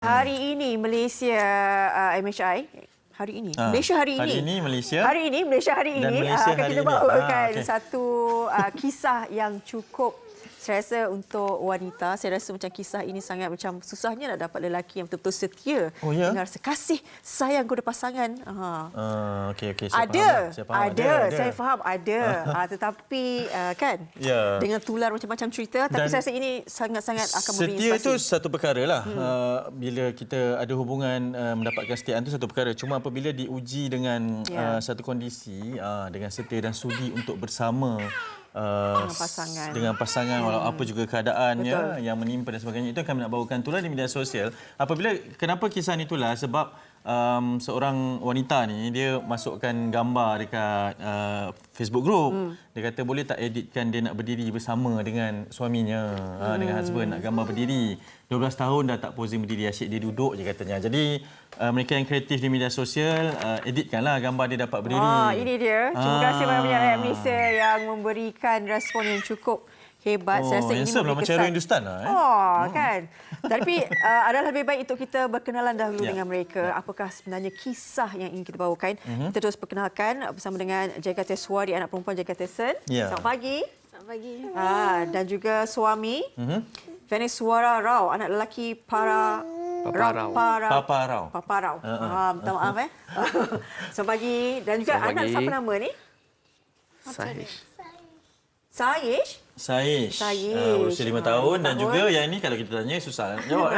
Hari ini Malaysia MHI hari ini Malaysia hari ini. Hari ini Malaysia. Hari ini Malaysia hari Dan ini Malaysia akan hari kita ini. bawakan Okay. satu kisah yang cukup, saya rasa untuk wanita, saya rasa macam kisah ini sangat macam susahnya nak dapat lelaki yang betul-betul setia dengan rasa kasih sayang kepada pasangan. Okey. Ada. Saya faham ada. Tetapi kan dengan tular macam-macam cerita, tapi saya rasa ini sangat-sangat akan memberi setia inspirasi. itu satu perkara lah. Bila kita ada hubungan mendapatkan kesetiaan itu satu perkara. Cuma apabila diuji dengan satu kondisi dengan setia dan sudi untuk bersama dengan pasangan walau apa juga keadaannya yang menimpa dan sebagainya, itu akan nak bawakan tular di media sosial. Kenapa kisah ni tular? Sebab seorang wanita ni dia masukkan gambar dekat Facebook group. Dia kata boleh tak editkan dia nak berdiri bersama dengan suaminya, dengan husband, nak gambar berdiri. 12 tahun dah tak posing berdiri, asyik dia duduk je katanya. Jadi mereka yang kreatif di media sosial, editkanlah gambar dia dapat berdiri. Ini dia. Terima kasih banyak-banyak rakyat Malaysia yang memberikan respon yang cukup hebat. Saya rasa ini memberi macam kesan. Hindustan lah. Kan? Tapi adalah lebih baik untuk kita berkenalan dahulu dengan mereka. Apakah sebenarnya kisah yang ingin kita bawakan. Kita terus perkenalkan bersama dengan Jega Teswari, anak perempuan Jega Tesen. Selamat pagi. Selamat pagi. Dan juga suami Venesuara Rao, anak lelaki Papa Rao. Minta maaf Selamat pagi. Dan juga anak siapa nama ni? Saish. Berusia 5 tahun dan juga yang ini kalau kita tanya susah nak jawab.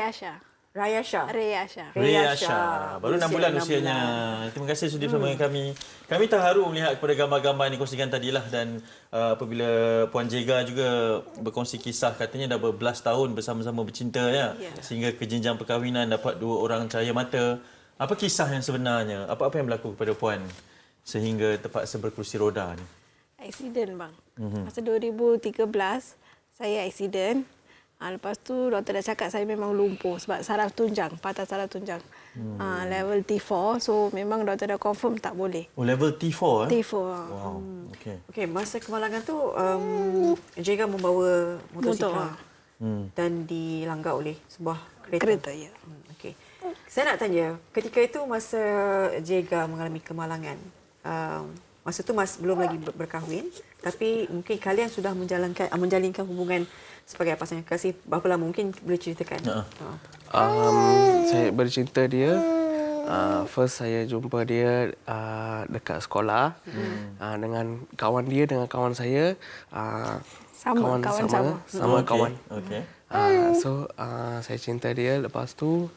Rayasha. Baru 6 bulan usianya. Terima kasih sudi bersama dengan kami. Kami terharu melihat kepada gambar-gambar yang dikongsikan tadilah, dan apabila Puan Jega juga berkongsi kisah, katanya dah berbelas tahun bersama-sama bercinta sehingga ke jenjang perkahwinan, dapat 2 orang cahaya mata. Apa kisah yang sebenarnya? Apa-apa yang berlaku kepada Puan sehingga terpaksa berkerusi roda ni? Aksiden bang. Masa 2013 saya aksiden. Lepas tu doktor dah cakap saya memang lumpuh sebab saraf tunjang, patah saraf tunjang. Level T4. So memang doktor dah confirm tak boleh. Oh, level T4 T4. Wow. Okey, masa kemalangan tu Jega membawa motosikal dan dilanggar oleh sebuah kereta. Ya. Okey. Saya nak tanya, ketika itu masa Jega mengalami kemalangan, masa tu belum lagi berkahwin, tapi mungkin kalian sudah menjalinkan hubungan sebagai pasangan kasih. Berapa lama mungkin boleh ceritakan? Saya bercinta dia. First saya jumpa dia dekat sekolah dengan kawan dia, dengan kawan saya. Sama kawan. Okey. So saya cinta dia. Lepas tu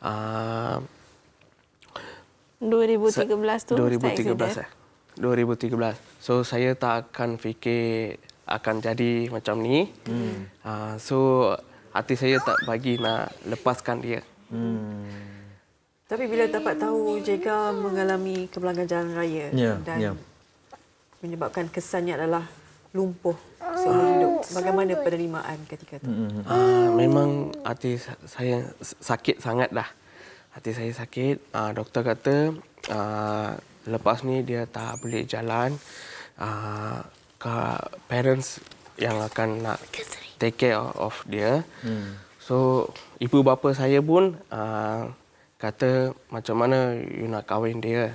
2013 tu 2013. So saya tak akan fikir akan jadi macam ni. So hati saya tak bagi nak lepaskan dia. Tapi bila dapat tahu Jega mengalami kemalangan jalan raya dan menyebabkan kesannya adalah lumpuh seumur hidup, bagaimana penerimaan ketika itu? Memang hati saya sakit sangat dah. Hati saya sakit. Doktor kata lepas ni dia tak boleh jalan. Parents yang akan nak take care of dia. So ibu bapa saya pun kata macam mana you nak kahwin dia.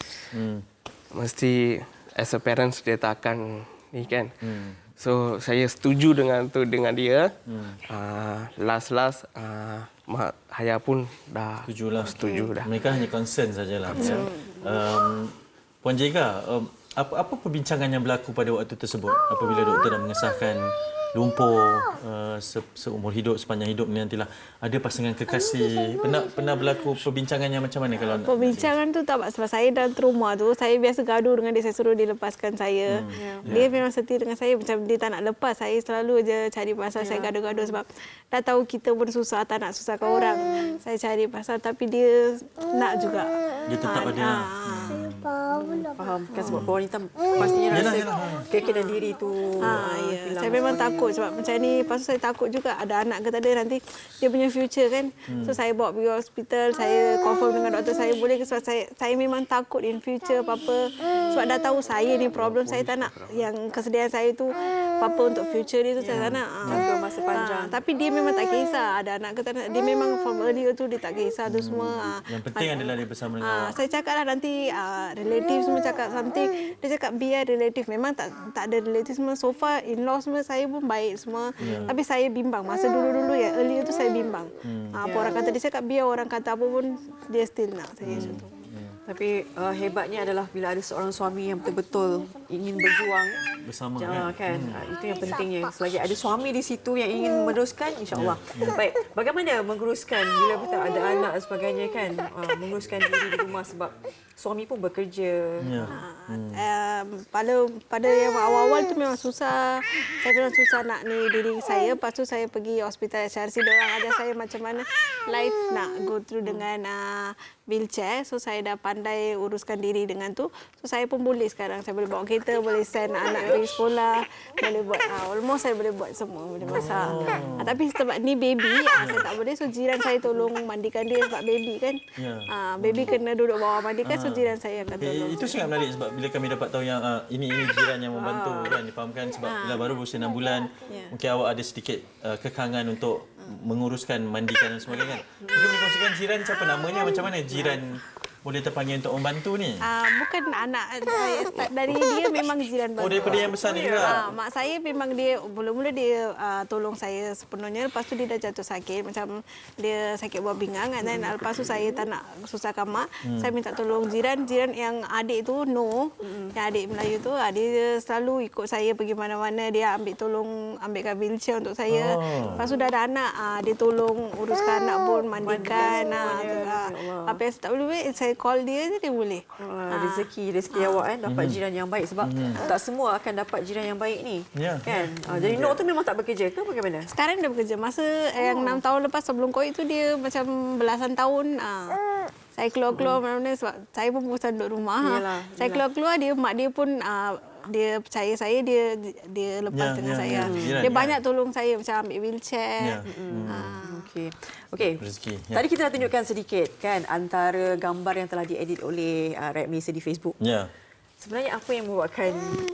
Mesti as a parents dia tak akan ni kan. So saya setuju dengan dia. Last mak ayah pun dah setuju dah. Mereka hanya concern sajalah. Puan Jega, apa perbincangan yang berlaku pada waktu tersebut apabila doktor dah mengesahkan lumpuh seumur hidup, sepanjang hidup ni nantilah ada pasangan kekasih? Pernah berlaku perbincangan yang macam mana kalau perbincangan tu tak, sebab saya dalam trauma tu, saya biasa gaduh dengan dia, saya suruh dia lepaskan saya. Dia memang setia dengan saya, macam dia tak nak lepas. Saya selalu je cari pasal, saya gaduh-gaduh sebab dah tahu kita pun susah, tak nak susahkan orang. Saya cari pasal tapi dia nak juga. dia tetap ada. Faham. Kan sebab wanita pastinya rasa keyakinan diri tu Ya. hilang Saya memang sebagainya. takut sebab macam ni. Lepas tu saya takut juga ada anak ke tak ada nanti dia punya future kan. So saya bawa pergi hospital, saya confirm dengan doktor saya boleh ke sebab saya memang takut in future apa-apa. Sebab dah tahu saya ni problem saya tak nak yang kesedihan saya tu apa untuk future dia tu saya tak nak. Jangka masa panjang. Tapi dia memang tak kisah ada anak ke tak nak. Dia memang from earlier tu dia tak kisah tu semua. Yang penting adalah dia bersama dengan awak. Saya cakap lah nanti relative semua cakap something. Dia cakap biar relative. Memang tak ada relative semua. So far in-law semua saya pun baik semua. Tapi saya bimbang. Masa dulu-dulu ya earlier tu saya bimbang. Apa orang kata dia cakap biar orang kata apa pun dia still nak saya macam tu. Tapi hebatnya adalah bila ada seorang suami yang betul-betul ingin berjuang Bersama kan. Itu yang pentingnya. Selagi ada suami di situ yang ingin meneruskan, insya-Allah. Baik, bagaimana menguruskan bila betul ada anak dan sebagainya kan? Menguruskan diri di rumah sebab suami pun bekerja. Ya. Pada yang awal-awal tu memang susah. Saya memang susah nak ni diri saya. Lepas tu saya pergi hospital HRC. Diorang ajar saya macam mana life nak go through dengan wheelchair. So saya dah pandai uruskan diri dengan tu. So saya pun boleh sekarang. Saya boleh bawa kereta, boleh send anak pergi sekolah. Boleh buat, almost saya boleh buat semua. Boleh masak. Tapi sebab ni baby, saya tak boleh. So jiran saya tolong mandikan dia sebab baby kan. Baby kena duduk bawah mandikan. So jiran saya akan tolong. Itu sangat menarik sebab bila kami dapat tahu yang ini jiran yang membantu kan difahamkan sebab bila baru berusia 6 bulan mungkin awak ada sedikit kekangan untuk menguruskan mandikan dan sebagainya. Mungkin boleh kongsikan jiran siapa namanya macam mana jiran boleh terpanggil untuk membantu ni? Bukan anak dari dia memang jiran baru. Oh daripada yang besar ni juga. Mak saya memang dia mula-mula dia tolong saya sepenuhnya. Lepas tu dia dah jatuh sakit macam dia sakit buah pinggang dan lepas tu saya tak nak susahkan mak. Saya minta tolong jiran yang adik tu yang adik Melayu tu dia selalu ikut saya pergi mana-mana, dia ambilkan wheelchair untuk saya. Lepas tu dah ada anak dia tolong uruskan anak pun mandikan apa yang saya tak boleh buat saya call dia je dia boleh. Rezeki awak kan dapat jiran yang baik sebab tak semua akan dapat jiran yang baik ni. Kan? Jadi Nur tu memang tak bekerja ke bagaimana? Sekarang dia bekerja. Masa yang 6 tahun lepas sebelum COVID tu dia macam belasan tahun saya keluar-keluar mana-mana sebab saya pun bosan duduk rumah. Saya keluar-keluar mak dia pun dia percaya saya dia lepas dengan saya. Dia banyak tolong saya macam ambil wheelchair. Okey. Tadi kita dah tunjukkan sedikit kan antara gambar yang telah diedit oleh Rakyat Malaysia di Facebook. Sebenarnya apa yang membuatkan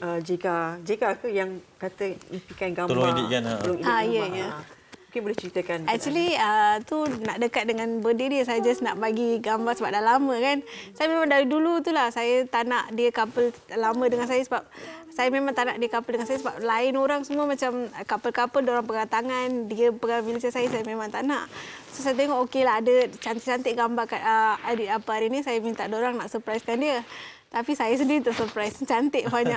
JK ke yang kata impikan gambar tolong editkan gambar. Mungkin boleh ceritakan. Actually tu nak dekat dengan birthday dia. Saya just nak bagi gambar sebab dah lama kan. Saya memang dari dulu tu lah saya tak nak dia couple lama dengan saya sebab saya memang tak nak dia couple dengan saya sebab lain orang semua macam couple-couple diorang pegang tangan, dia pegang wheelchair saya memang tak nak. So saya tengok okey lah ada cantik-cantik gambar kat edit apa hari ni saya minta diorang nak surprisekan dia. Tapi saya sendiri tersurprise. Cantik banyak.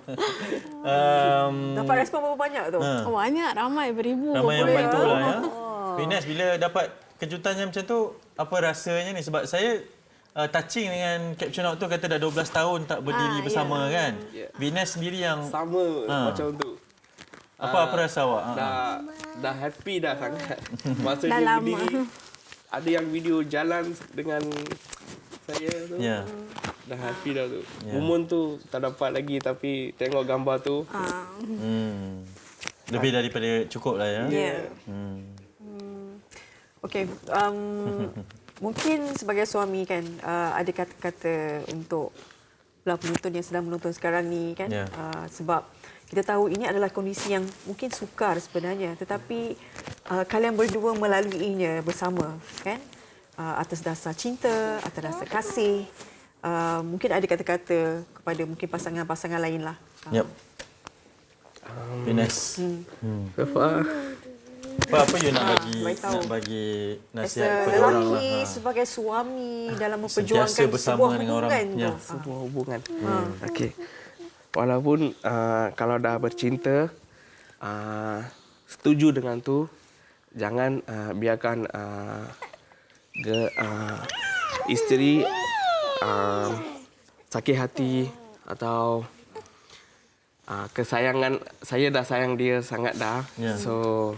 Dapat respon berapa banyak tu? Banyak. Ramai beribu. Ramai yang bantu lah ya. Finas, bila dapat kejutan yang macam tu, apa rasanya ni? Sebab saya touching dengan caption awak tu kata dah 12 tahun tak berdiri bersama kan. Finas sendiri yang... Sama macam tu. Apa rasa awak? Dah happy dah sangat. Masa dah dia lama. berdiri, ada yang video jalan dengan saya tu. Dah happy dah tu. Momen tu tak dapat lagi tapi tengok gambar tu. Lebih daripada cukup lah ya. Okey. Mungkin sebagai suami kan ada kata-kata untuk belah penonton yang sedang menonton sekarang ni kan. Sebab kita tahu ini adalah kondisi yang mungkin sukar sebenarnya tetapi kalian berdua melaluinya bersama kan. Atas dasar cinta, atas dasar kasih. Mungkin ada kata-kata kepada mungkin pasangan-pasangan lain lah. Finas. Apa you nak bagi nasihat kepada orang lah? Sebagai suami dalam memperjuangkan bersama sebuah dengan hubungan. orang. Sebuah hubungan. Okey. Walaupun kalau dah bercinta, setuju dengan tu, jangan biarkan isteri sakit hati atau kesayangan. Saya dah sayang dia sangat dah. So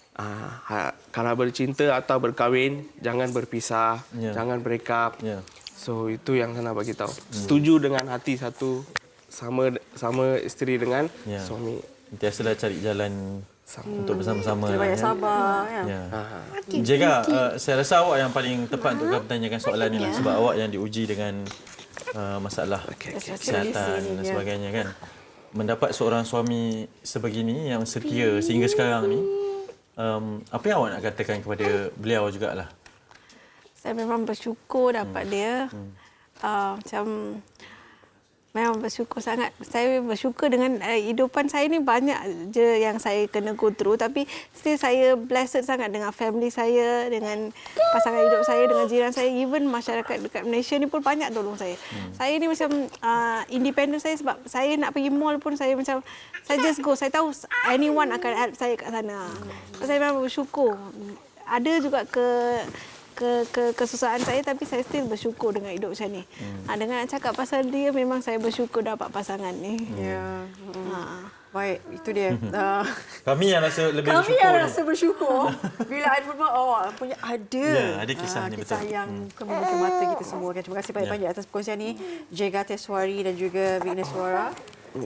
kalau bercinta atau berkahwin jangan berpisah, jangan break up. So itu yang saya nak bagi tahu. Setuju dengan hati satu, sama isteri dengan suami. Sentiasalah cari jalan untuk bersama-sama. Kita banyak sabar. Jega, saya rasa awak yang paling tepat untuk bertanyakan soalan ni lah. Sebab awak yang diuji dengan masalah kesihatan dan sebagainya kan. Mendapat seorang suami sebegini yang setia sehingga sekarang ni, apa yang awak nak katakan kepada beliau jugalah? Saya memang bersyukur dapat dia. Macam memang bersyukur sangat. Saya bersyukur dengan hidupan saya ni banyak je yang saya kena go through. Tapi still saya blessed sangat dengan family saya, dengan pasangan hidup saya, dengan jiran saya. Even masyarakat dekat Malaysia ni pun banyak tolong saya. Saya ni macam independent saya sebab saya nak pergi mall pun saya macam, saya just go. Saya tahu anyone akan help saya kat sana. Saya memang bersyukur. Ada juga kesusahan saya tapi saya still bersyukur dengan hidup macam ni. Dengan nak cakap pasal dia memang saya bersyukur dapat pasangan ni. Ya. Baik, itu dia. Kami yang rasa lebih Kami bersyukur. yang rasa bersyukur bila ada punya ada. Ya, ada kisah ni, kisah betul. yang membuka mata kita semua kan. Terima kasih banyak-banyak atas perkongsian ni, Jega Teswari dan juga Vigneswara.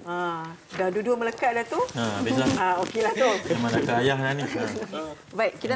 Dah duduk melekat dah tu. Habislah. Okeylah tu. Mana ke ayah dah ni. Baik, kita